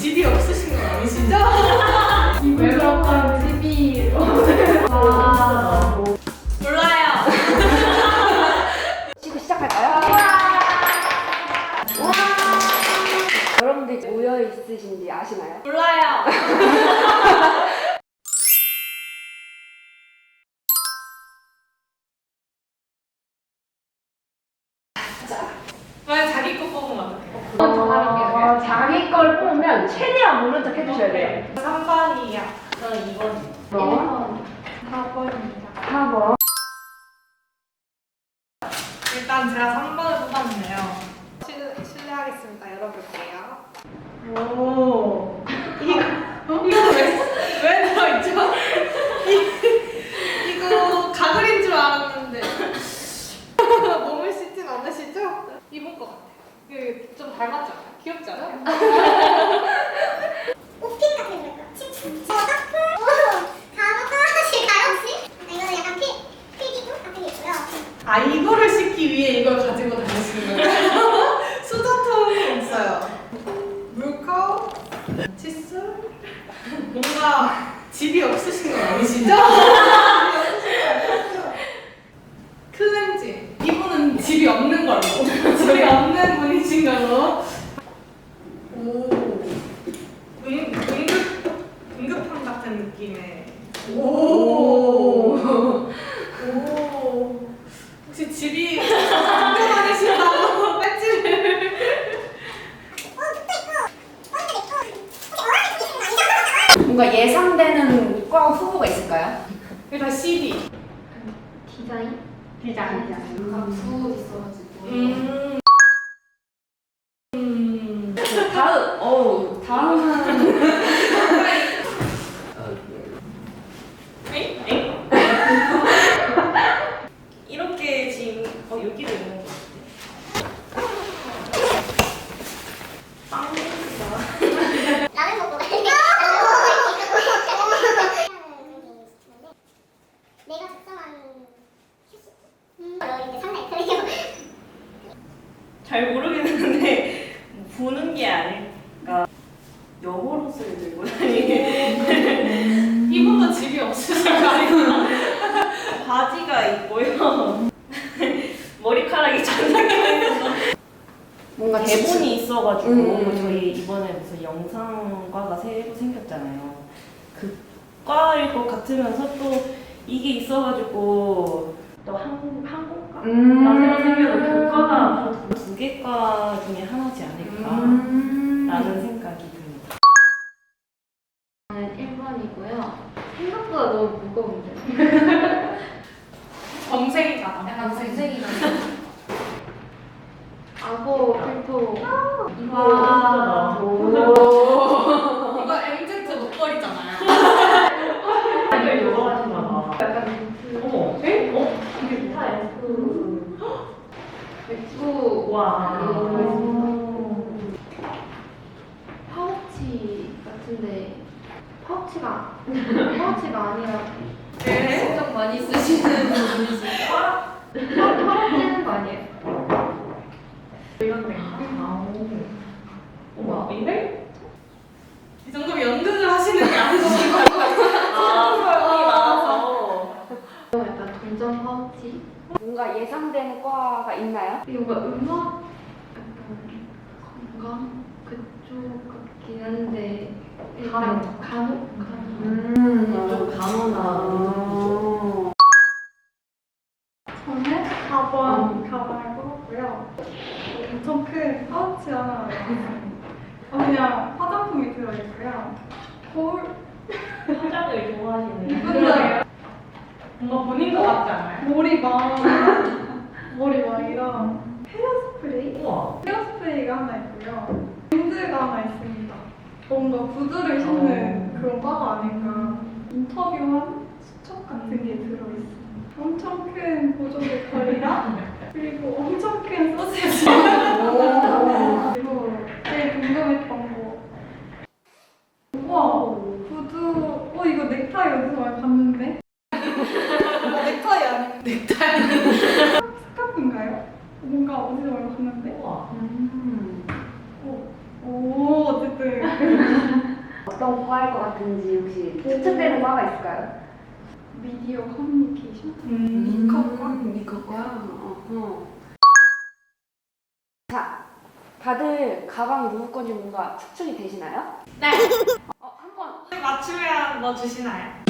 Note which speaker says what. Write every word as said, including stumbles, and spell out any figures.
Speaker 1: 집이 없으신 건 아니시죠?
Speaker 2: 왜 그럴까? 집이
Speaker 1: 아, 몰라요.
Speaker 3: 지금 시작할까요? 와. 여러분들 모여 있으신지 아시나요?
Speaker 1: 몰라요. 왜 자기 거 뽑으면 어떡해?
Speaker 3: 어, 자기 걸 뽑으면 최대한 모른 척 해주셔야 돼요.
Speaker 1: 삼 번이요. 저는 이 번이요.
Speaker 3: 일 번,
Speaker 2: 사 번입니다.
Speaker 3: 사 번.
Speaker 1: 일단 제가 삼 번을 뽑았네요. 실, 실례하겠습니다. 열어볼게요. 오. 이거, 이거 왜, 왜 들어있죠? 이, 이거 가글인 줄 알았는데. 몸을 씻진 않으시죠? 입은 것 같아요. 이거 좀 닮았지 않아요? 귀엽지 않아요?
Speaker 4: 옷핏 같은 거 있고 칩 저 커플 가로가 하나씩 가요 혹시? 이거는 약간 피 필기구 같은 게 있고요.
Speaker 1: 아, 이거를 씻기 위해 이걸 가지고 다니시는 거예요? 수저통이 있어요. 물컵, 칫솔. 뭔가 집이 없으신 건 아니시죠? 클렌징. 이분은 집이 없는 걸로. 집이 없는 분이신 걸로. 오. 응, 응급, 응급함 같은 느낌의. 오. 오. 혹시 집이 학교 다니신다고 배지를.
Speaker 3: 뭔가 예상되는 과 후보가 있을까요?
Speaker 1: 일단 씨디.
Speaker 2: 디자인?
Speaker 1: 디자인.
Speaker 2: 부 있어가지고.
Speaker 1: 음. 음.
Speaker 3: 다음, 어우, 다음은.
Speaker 1: 에이? 에이? 이렇게 지금 어 여기도 있는 거 같아. 빵 냄새가.
Speaker 4: 라면 먹고 갈게. 내가 작성한 휴식. 음, 이제 상당히 틀리고.
Speaker 5: 잘 모르겠는데 보는 게 아닐까. 여벌옷을 들고 다니는
Speaker 1: 이분도 집이 없으신 거 아니에요?
Speaker 5: 바지가 있고요. 머리카락이 장난이 있어서
Speaker 3: 뭔가
Speaker 5: 대본이 있어가지고
Speaker 3: 음.
Speaker 5: 저희 이번에 무슨 영상과가 새로 생겼잖아요. 그 과일 것 같으면서 또 이게 있어가지고 또 한, 항공과?
Speaker 3: 음.
Speaker 5: 나 새로 생겨서 그 과가 두 개 과 중에 하나지 않을까
Speaker 3: 음.
Speaker 5: 라는 생각이 듭니다.
Speaker 2: 저는 일 번이고요. 생각보다 너무 무거운데.
Speaker 1: 범생이다.
Speaker 2: 약간 검색이가 악어 필터.
Speaker 5: 와.
Speaker 3: 오.
Speaker 1: 이거 엠지 목걸이잖아요.
Speaker 5: 이걸 좋아하시나 봐.
Speaker 2: 약간
Speaker 5: 어머. 에? 어? 이게 다 에스쁘.
Speaker 2: 맥주
Speaker 5: 와.
Speaker 2: 음. 파우치 같은데 파우치가 파우치가 아니라
Speaker 1: 네.
Speaker 2: 신경 많이 쓰시는 분이시죠? 털어지는 거 아니에요?
Speaker 1: 이런데.
Speaker 5: 어머. 이래?
Speaker 1: 이 정도면 연극을 하시는 게 아니신 거 같아요.
Speaker 5: 아, 사람이 많아서.
Speaker 2: 약간 동전 파우치?
Speaker 3: 뭔가 예상되는 과가 있나요?
Speaker 2: 이게 뭔가 음악 약간 건강 그쪽 같긴 한데 일단 간혹 간혹
Speaker 3: 음.
Speaker 5: 좀 간호나.
Speaker 6: 저는 사 번 가방을 뽑았고요. 엄청 큰 파우치 하나 있어요. 어, 그냥 화장품이 들어있고요. 거울,
Speaker 5: 화장을 좋아하시는.
Speaker 6: 분장이요.
Speaker 1: 뭔가 본인 것 같지 않아요?
Speaker 6: 머리막, 머리막이랑 헤어스프레이?
Speaker 5: 우와.
Speaker 6: 헤어스프레이가 하나 있고요. 렌즈가 하나 있습니다. 뭔가 구두를 신는 그런 바가 아닌가. 인터뷰한 수첩 같은 게 들어있어요. 엄청 큰 보조 배터리랑 그리고 엄청 큰 소세지. 그리고 제일 궁금했던 거. 우와, 구두. 어, 이거 넥타이 어디서 많이 봤는데? 넥타이 아니에요? 넥타이. 스카프인가요? 뭔가 어디서 많이 봤는데?
Speaker 5: 우와.
Speaker 3: 음.
Speaker 6: 오, 오, 어쨌든.
Speaker 3: 어떤 과일 것 같은지 혹시 추측되는 과가 있을까요?
Speaker 6: 미디어 커뮤니케이션?
Speaker 1: 음, 이커과?
Speaker 2: 이거과. 어.
Speaker 3: 자, 다들 가방이 누구 건지 뭔가 추측이 되시나요?
Speaker 1: 네.
Speaker 3: 어, 한번
Speaker 1: 맞추면 뭐 주시나요?